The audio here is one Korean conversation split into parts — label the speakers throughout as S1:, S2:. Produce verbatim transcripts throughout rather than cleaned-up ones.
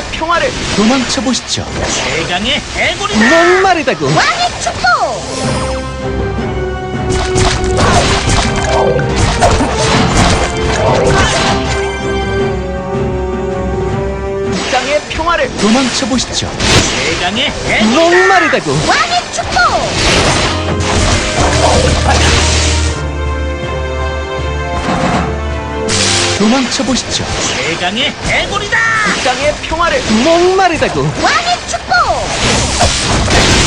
S1: 평화를
S2: 도망쳐 보시죠.
S3: 최강의 해골이다.
S2: 목마르다고.
S4: 왕의 축복!
S1: 땅의 평화를
S2: 도망쳐 보시죠.
S3: 최강의 해골.
S2: 목마르다고.
S4: 왕의 축복!
S2: 도망쳐 보시죠.
S3: 최강의 해골이다.
S1: 땅의 평화를
S2: 목마르다고.
S4: 왕의 축복!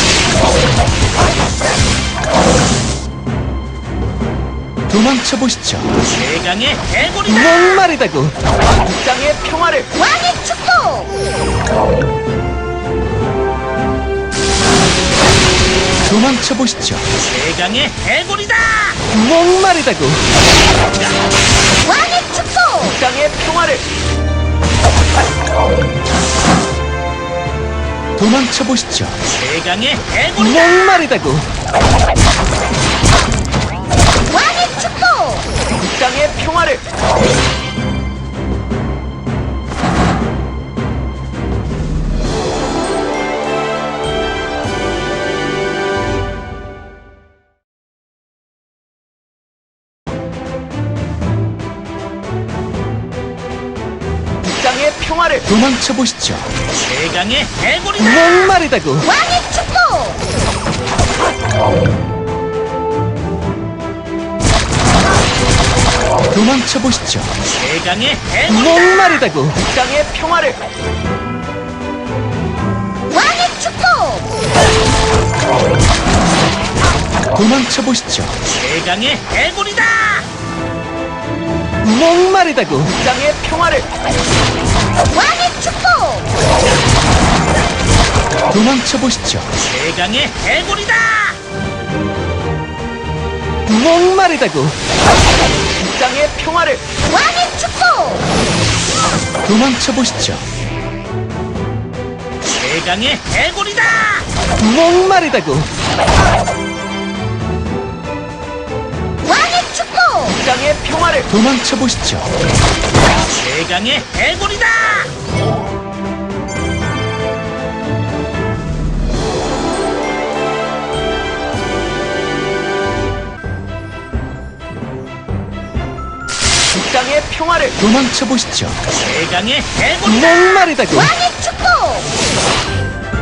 S2: 도망쳐 보시죠.
S3: 최강의 해골이다.
S2: 목마르다고.
S1: 땅의 평화를
S4: 왕의 축복!
S2: 도망쳐 보시죠.
S3: 최강의 해골이다.
S2: 목마르다고.
S4: 왕의 축복!
S1: 땅의 평화를
S2: 도망쳐 보시죠.
S3: 최강의 해골이다.
S2: 목마르다고.
S4: 왕의 축복!
S1: 땅의 평화를 땅의 평화를
S2: 도망쳐 보시죠.
S3: 최강의 해골이다.
S2: 목마르다고.
S4: 왕의 축복!
S2: 도망쳐 보시죠.
S3: 최강의 해골이다.
S2: 목마르다고.
S1: 땅의 평화를
S4: 왕의 축복!
S2: 도망쳐 보시죠.
S3: 최강의 해골이다.
S2: 목마르다고.
S1: 땅의 평화를
S4: 왕의 축복!
S2: 도망쳐 보시죠.
S3: 최강의 해골이다.
S2: 목마르다고.
S1: 땅의 평화를
S4: 왕의 축복!
S2: 도망쳐 보시죠.
S3: 최강의 해골이다.
S2: 목마르다고.
S4: 왕의 축복!
S1: 땅의 평화를
S2: 도망쳐 보시죠.
S3: 최강의 해골이다.
S1: 땅의 평화를
S2: 도망쳐 보시죠.
S3: 최강의 해골이다.
S2: 목마르다고.
S4: 왕의 축복!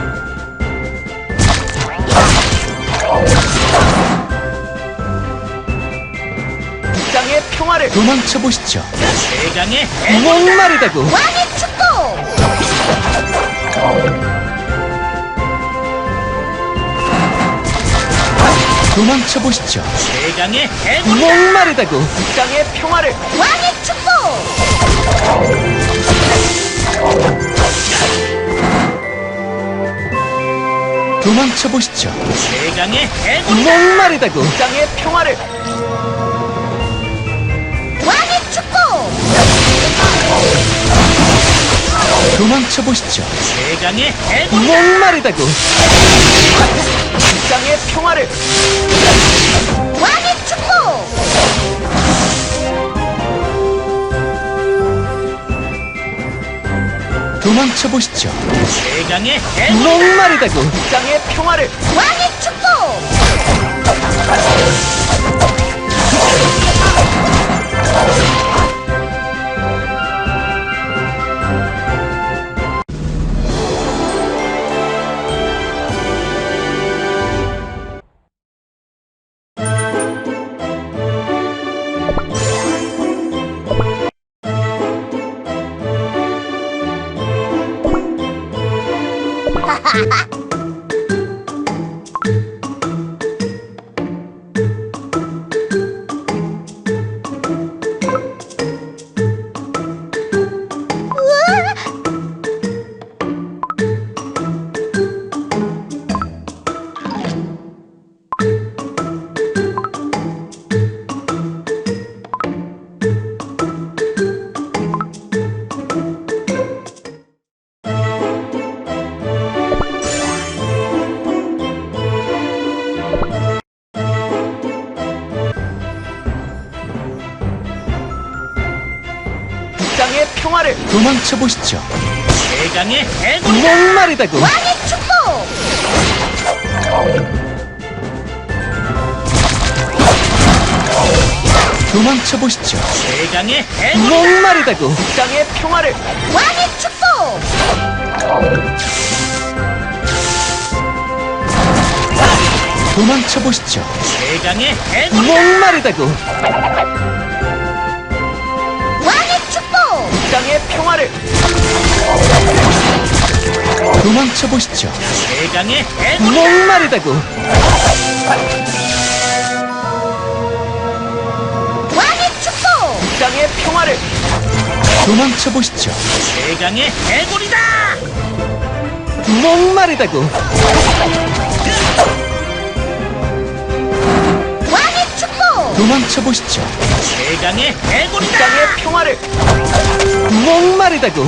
S1: 땅의 평화를
S2: 도망쳐 보시죠.
S3: 최강의 해골이다.
S2: 목마르다고.
S4: 왕의 축복!
S2: 도망쳐 보시죠.
S3: 최강의 해골이다.
S2: 목마르다고.
S1: 땅의 평화를
S4: 왕의 축복!
S2: 도망쳐 보시죠.
S3: 최강의 해골이다.
S2: 목마르다고.
S1: 땅의 평화를
S4: 왕의 축복!
S2: 도망쳐 보시죠.
S3: 최강의 해골이다.
S2: 목마르다고.
S1: 땅의 평화를
S4: 왕의 축복!
S2: 도망쳐 보시죠.
S3: 최강의 해골이다.
S2: 목마르다고.
S1: 땅의 평화를
S4: 왕의 축복!
S1: 땅의 평화를
S2: 도망쳐 보시죠.
S3: 대강의 해골이다.
S2: 목마르다고.
S4: 왕의 축복!
S2: 도망쳐 보시죠.
S3: 대강의 해골이다.
S2: 목마르다고.
S1: 땅의 평화를
S4: 왕의 축복!
S2: 도망쳐 보시죠.
S3: 대강의 해골이다.
S2: 목마르다고.
S4: 왕의 축복!
S1: 땅의 평화를
S2: 도망쳐 보시죠.
S3: 대강의 해골이다.
S2: 목마르다고.
S4: 왕의 축복!
S1: 땅의 평화를
S2: 도망쳐 보시죠.
S3: 대강의 해골이다.
S2: 목마르다고.
S4: 왕의 축복!
S2: 도망쳐 보시죠.
S3: 대강의 해골이다.
S1: 땅의 평화를
S2: 목마르다고.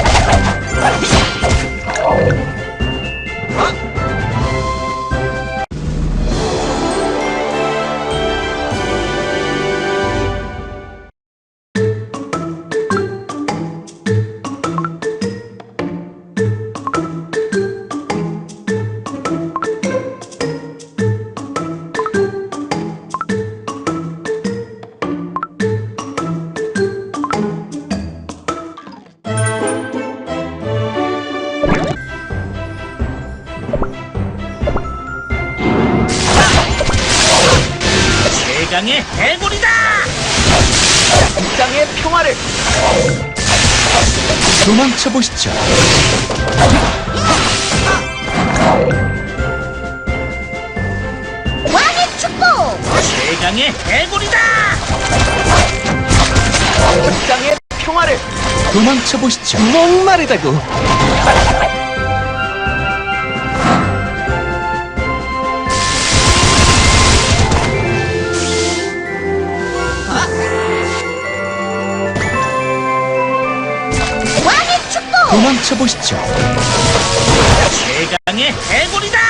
S3: 대강의 해골이다.
S1: 땅의 평화를
S2: 도망쳐 보시죠.
S4: 왕의 축복!
S3: 대강의 해골이다.
S1: 땅의 평화를
S2: 도망쳐 보시죠. 목마르다고.
S4: 왕의 축복!
S2: 도망쳐 보시죠.
S3: 대강의 해골이다.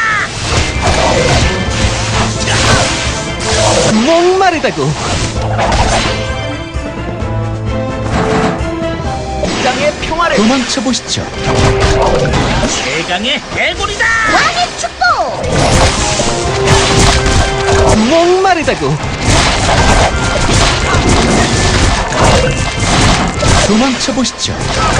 S2: 목마르다고.
S1: 땅의 평화를
S2: 도망쳐 보시죠.
S3: 대강의 해골이다.
S4: 왕의 축복!
S2: 목마르다고. 도망쳐 보시죠.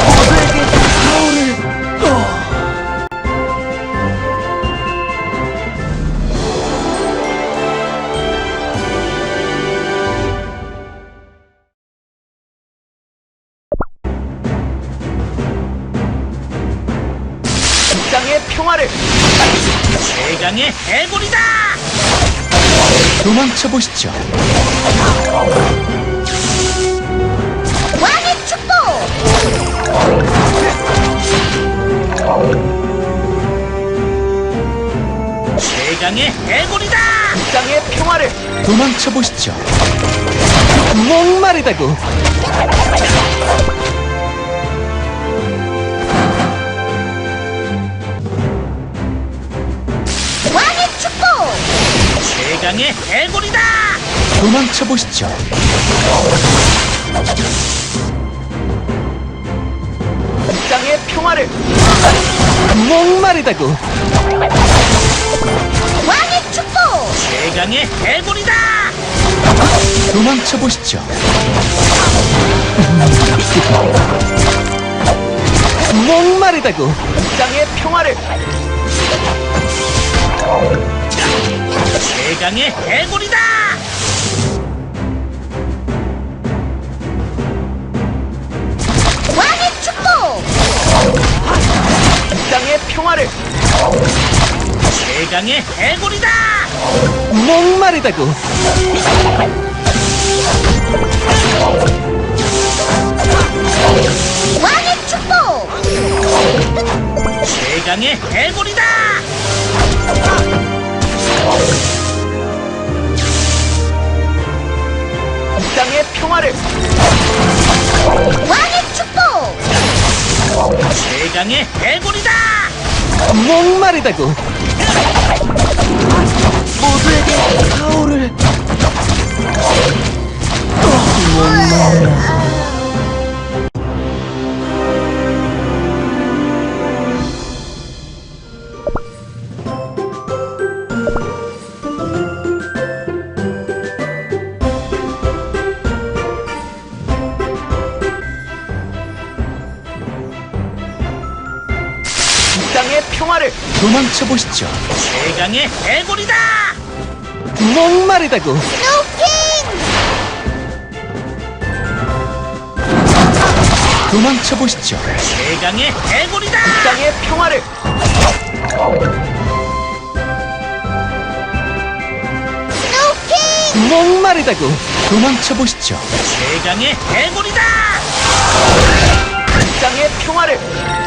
S1: 땅의 평화를
S3: 대강의 해골이다.
S2: 도망쳐 보시죠.
S4: 왕의 축복!
S3: 대강의 해골이다.
S1: 땅의 평화를
S2: 도망쳐 보시죠. 목마르다고.
S4: 왕의 축복!
S3: 대강의 해골이다.
S2: 도망쳐 보시죠.
S1: 땅의 평화를
S2: 목마르다고.
S4: 왕의 축복!
S3: 대강의 해골이다.
S2: 도망쳐 보시죠. 목마르다고.
S1: 땅의 평화를
S3: 대강의 해골이다.
S4: 왕의 축복!
S1: 땅의 평화를
S3: 대강의 해골이다.
S2: 목마르다고.
S4: 왕의 축복!
S3: 대강의 해골이다.
S1: 땅의 평화를
S4: 왕의 축복!
S3: 대강의 해골이다.
S2: 목마르다고.
S1: 모두에게 가오를 땅의 평화를
S2: 도망쳐 보시죠.
S3: 최강의 해골이다.
S2: 목마르다고.
S4: 스노우킹!
S2: 도망쳐 보시죠.
S3: 최강의 해골이다.
S1: 땅의 평화를
S4: 스노우킹!
S2: 목마르다고. 도망쳐 보시죠.
S3: 최강의 해골이다.
S1: 땅의 평화를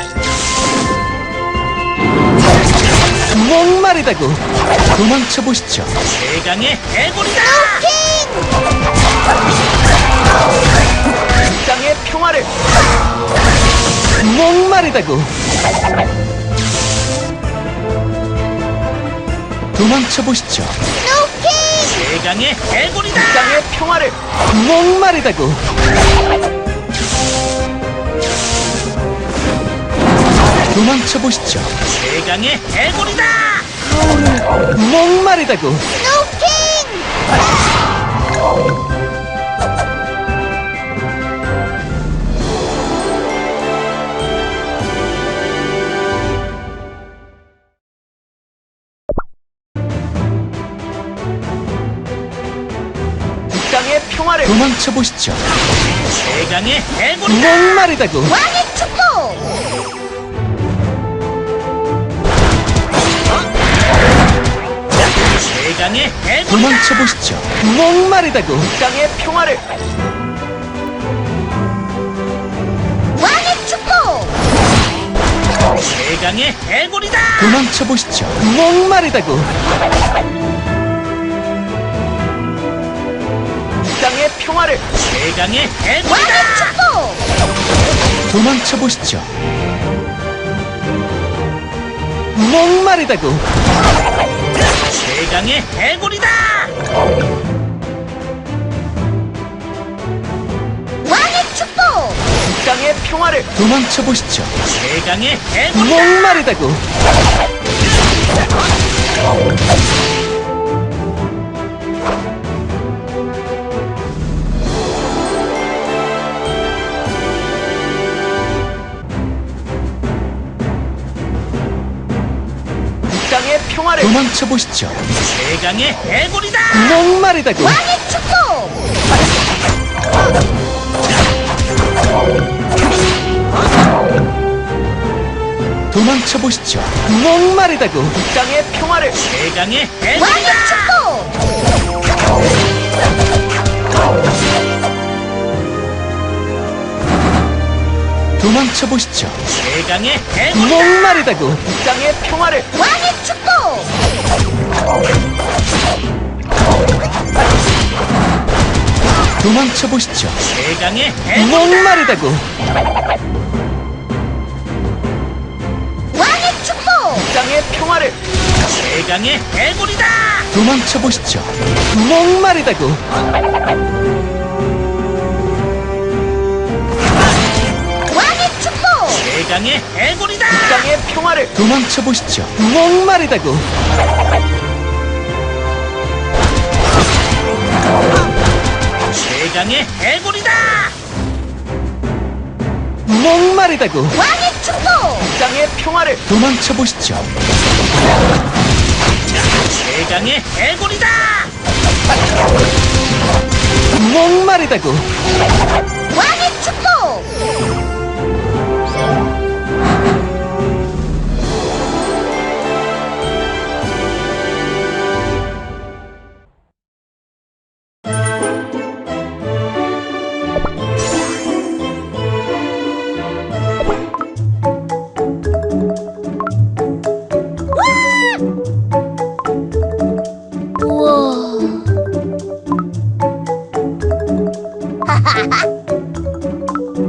S2: 목마르다고. 도망쳐 보시죠.
S3: 최강의 해골이다.
S1: 땅의 평화를
S2: 목마르다고. 도망쳐 보시죠.
S4: 스노우킹!
S3: 최강의 해골이다.
S1: 땅의 평화를
S2: 목마르다고. 도망쳐 보시죠.
S3: 최강의 해골이다.
S2: 목마르다고.
S4: 스노우킹!
S1: 땅의 평화를
S2: 도망쳐 보시죠.
S3: 최강의 해골이다.
S2: 목마르다고.
S4: 왕의 축복!
S3: 최강의 해골이다.
S2: 도망쳐 보시죠. 목마르다고.
S1: 땅의 평화를
S4: 왕의 축복!
S3: 최강의 해골이다.
S2: 도망쳐 보시죠. 목마르다고.
S1: 땅의 평화를
S3: 최강의 해골이다.
S4: 왕의 축복!
S2: 도망쳐 보시죠. 목마르다고.
S3: 최강의 해골이다.
S4: 왕의 축복!
S1: 땅의 평화를
S2: 도망쳐 보시죠.
S3: 최강의 해골이다.
S2: 목마르다고.
S1: 땅의 평화를
S2: 도망쳐 보시죠.
S3: 최강의 해골이다.
S2: 목마르다고.
S4: 왕의 축복!
S2: 도망쳐 보시죠. 목마르다고.
S1: 땅의 평화를
S3: 최강의
S4: 왕의
S3: 해골이다.
S4: 축복!
S2: 도망쳐 보시죠.
S3: 최강의 해골이다.
S2: 목마르다고.
S1: 땅의 평화를
S4: 왕의 축복!
S2: 도망쳐 보시죠.
S3: 최강의 해골이다.
S2: 목마르다고.
S4: 왕의 축복!
S1: 땅의 평화를
S3: 최강의 해골이다.
S2: 도망쳐 보시죠. 목마르다고.
S4: 왕의 축복!
S3: 최강의 해골이다.
S1: 땅의 평화를
S2: 도망쳐 보시죠. 목마르다고.
S3: 최강의 해골이다.
S2: 목마르다고.
S4: 왕의 축복!
S1: 땅의 평화를
S2: 도망쳐 보시죠.
S3: 최강의 해골이다.
S2: 목마르다고.
S4: 왕의 축복! 우와!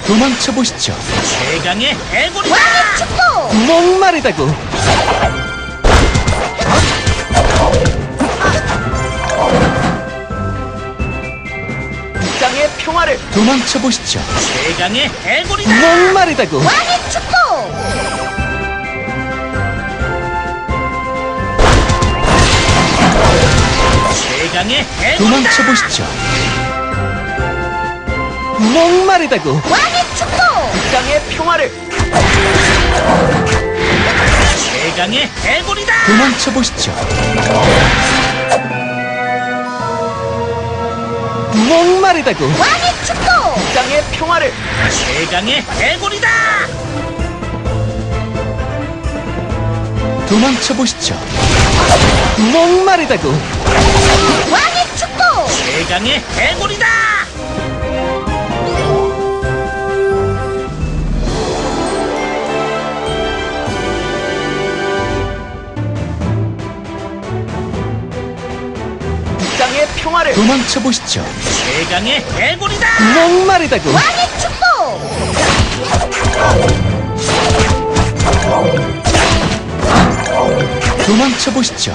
S2: 도망쳐 보시죠.
S3: 최강의 해골이다.
S4: 왕의 축복!
S2: 목마르다고.
S1: 땅의 평화를
S2: 도망쳐 보시죠.
S3: 최강의 해골이다.
S2: 목마르다고.
S4: 왕의 축복!
S3: 최강의 해골이다.
S2: 도망쳐 보시죠. 목마르다고.
S4: 왕의 축복!
S1: 땅의 평화를
S3: 최강의 해골이다.
S2: 도망쳐 보시죠. 목마르다고.
S4: 왕의 축복!
S1: 땅의 평화를
S3: 최강의 해골이다.
S2: 도망쳐 보시죠. 목마르다고.
S4: 왕의 축복!
S3: 최강의 해골이다.
S1: 땅의 평화를
S2: 도망쳐 보시죠.
S3: 최강의 해골이다.
S2: 목마르다고.
S4: 왕의 축복!
S2: 도망쳐 보시죠.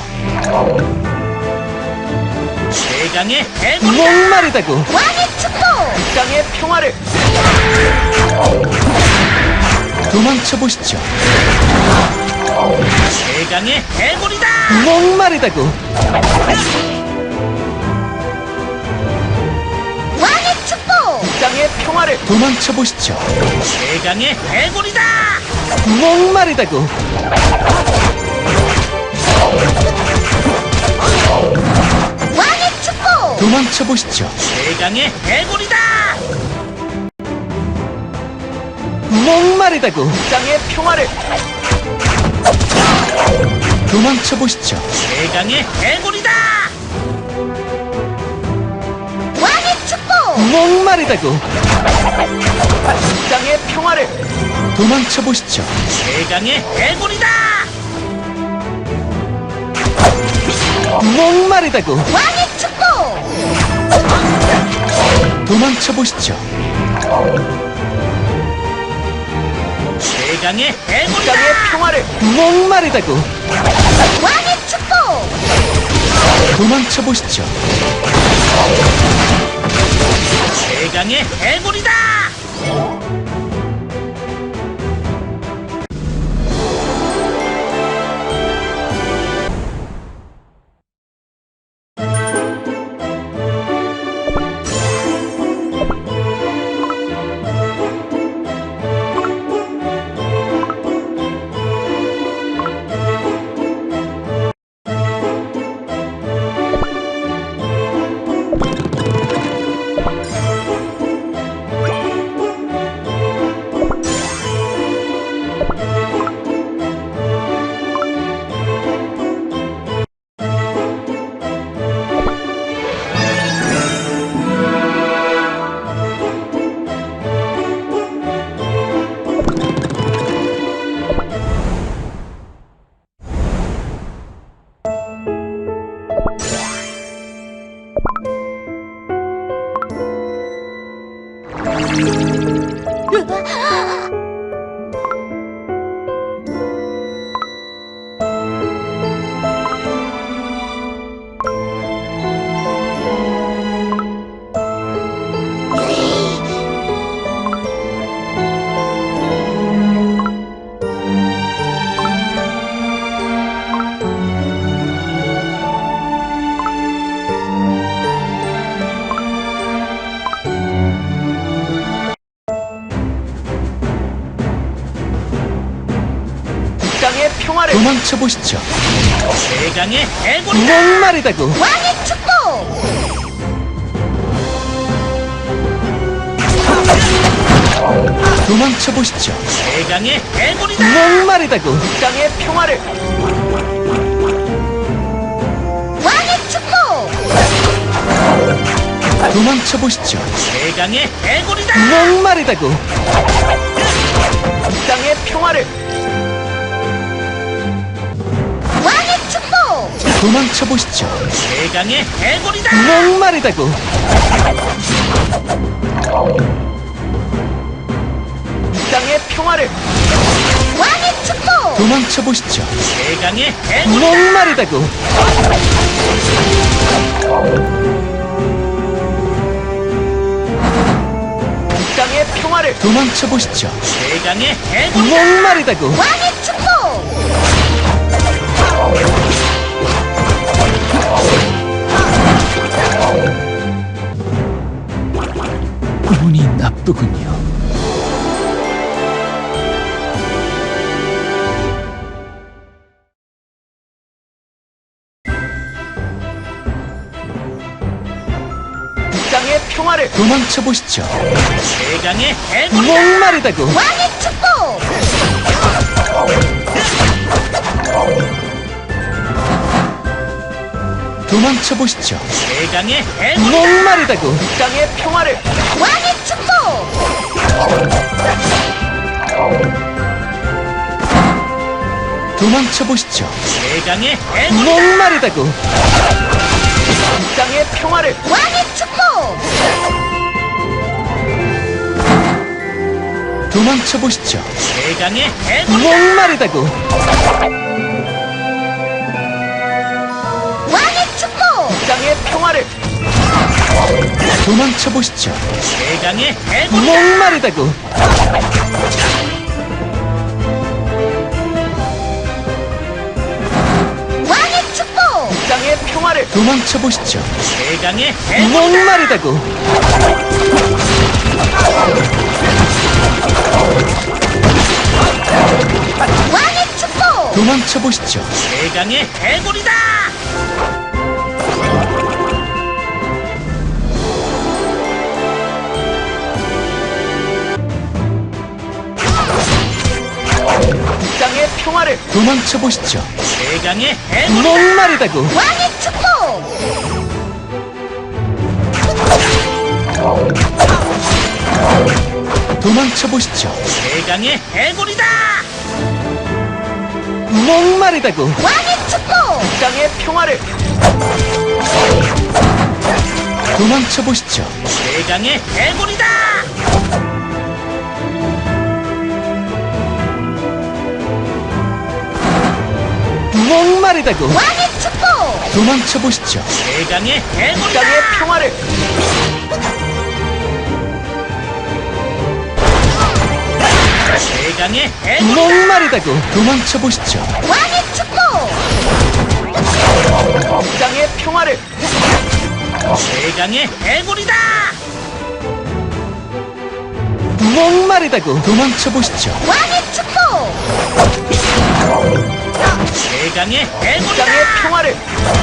S3: 최강의 해골이다.
S2: 목마르다고.
S4: 왕의 축복!
S1: 땅의 평화를
S2: 도망쳐 보시죠.
S3: 최강의 해골이다.
S2: 목마르다고.
S4: 왕의 축복!
S1: 땅의 평화를
S2: 도망쳐 보시죠.
S3: 최강의 해골이다.
S2: 목마르다고.
S4: 왕의 축복!
S2: 도망쳐 보시죠.
S3: 최강의 해골이다.
S2: 목마르다고.
S1: 땅의 평화를
S2: 도망쳐 보시죠.
S3: 최강의 해골이다.
S4: 왕의 축복!
S2: 목마르다고.
S1: 땅의 평화를
S2: 도망쳐 보시죠.
S3: 최강의 해골이다.
S2: 목마르다고.
S4: 왕의 축복!
S2: 도망쳐 보시죠.
S3: 최강의 해골이다.
S1: 땅의 평화를
S2: 목마르다고.
S4: 왕의 축복!
S2: 도망쳐 보시죠.
S3: 최강의 해골이다.
S1: 땅의 평화를
S2: 도망쳐 보시죠.
S3: 최강의 해골이다.
S2: 목마르다고.
S4: 왕의 축복!
S2: 도망쳐 보시죠.
S3: 최강의 해골이다.
S2: 목마르다고.
S1: 땅의 평화를
S4: 왕의 축복!
S2: 도망쳐 보시죠.
S3: 최강의 해골이다.
S2: 목마르다고.
S1: 땅의 평화를
S4: 왕의 축복!
S2: 도망쳐 보시죠.
S3: 최강의 해골이다.
S2: 목마르다고.
S1: 땅의 평화를
S4: 왕의 축복!
S2: 도망쳐 보시죠.
S3: 최강의 해골이다.
S2: 목마르다고.
S1: 땅의 평화를
S2: 도망쳐 보시죠.
S3: 최강의 해골이다.
S2: 목마르다고.
S4: 왕의 축복!
S2: 운이 나쁘군요.
S1: 땅의 평화를
S2: 도망쳐 보시죠.
S3: 최강의 해골이다.
S2: 목마르다고.
S4: 왕의 축복!
S2: 도망쳐 보시죠.
S3: 최강의 해골이다.
S2: 목마르다고.
S1: 땅의 평화를
S4: 왕의 축복!
S2: 도망쳐 보시죠.
S3: 최강의 해골이다.
S2: 목마르다고.
S1: 땅의 평화를
S4: 왕의 축복!
S2: 도망쳐 보시죠.
S3: 최강의 해골이다.
S2: 목마르다고.
S4: 왕의 축복!
S1: 땅의 평화를
S2: 도망쳐 보시죠.
S3: 최강의 해골이다.
S2: 목마르다고.
S4: 왕의 축복!
S1: 땅의 평화를
S2: 도망쳐 보시죠.
S3: 최강의 해골이다.
S2: 목마르다고.
S4: 왕의 축복!
S2: 도망쳐 보시죠.
S3: 최강의 해골이다.
S1: 땅의 평화를
S2: 도망쳐 보시죠.
S3: 최강의 해골이다.
S2: 목마르다고.
S4: 왕의 축복!
S2: 도망쳐 보시죠.
S3: 최강의 해골이다.
S2: 목마르다고.
S4: 왕의 축복!
S1: 땅의 평화를
S2: 도망쳐 보시죠.
S3: 최강의 해골이다.
S2: 목마르다고.
S4: 왕의 축복!
S2: 도망쳐 보시죠.
S3: 최강의 해골이다.
S1: 땅의 평화를
S3: 최강의 해골이다.
S2: 목마르다고. 도망쳐 보시죠.
S4: 왕의 축복!
S1: 땅의 평화를
S3: 최강의 해골이다.
S2: 목마르다고. 도망쳐 보시죠.
S4: 왕의 축복!
S3: 최강의 해골이다.
S1: 땅의 평화를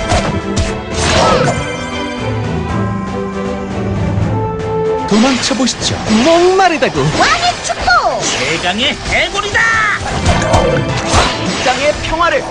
S2: 도망쳐 보시죠. 목마르다고.
S4: 왕의 축복!
S3: 최강의 해골이다.
S1: 땅의 평화를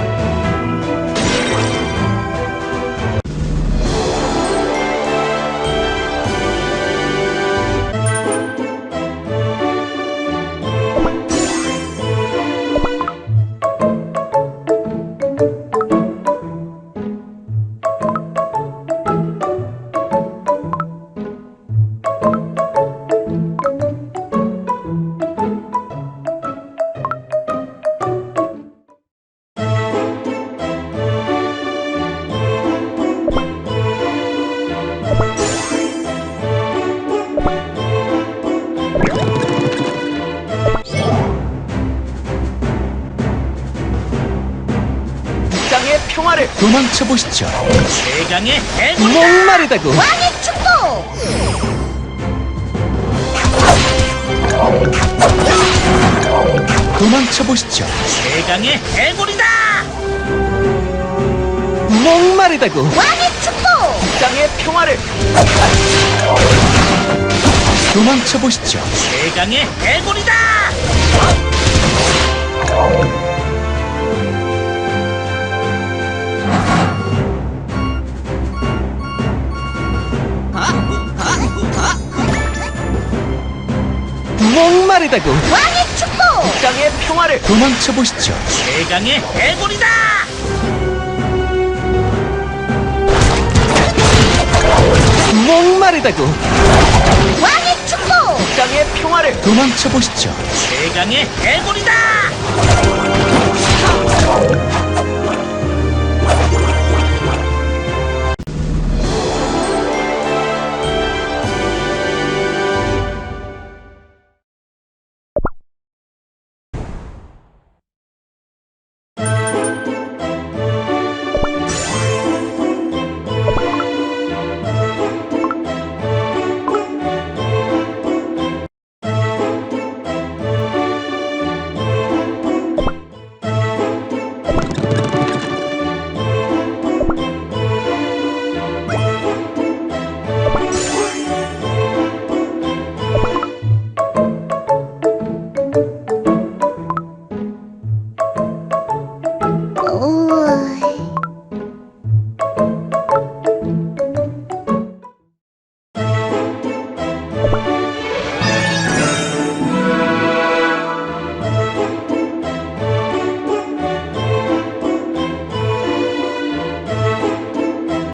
S1: 땅의 평화를
S2: 도망쳐 보시죠.
S3: 최강의 해골이다.
S2: 목마르다고.
S4: 왕의 축복!
S2: 도망쳐 보시죠.
S3: 최강의 해골이다.
S2: 목마르다고.
S4: 왕의 축복!
S1: 땅의 평화를
S2: 도망쳐 보시죠.
S3: 최강의 해골이다.
S2: 목마르다고.
S4: 왕의 축복!
S1: 땅의 평화를
S2: 도망쳐 보시죠.
S3: 최강의 해골이다.
S2: 목마르다고.
S4: 왕의 축복!
S1: 이 땅의 평화를
S2: 도망쳐 보시죠.
S3: 최강의 해골이다.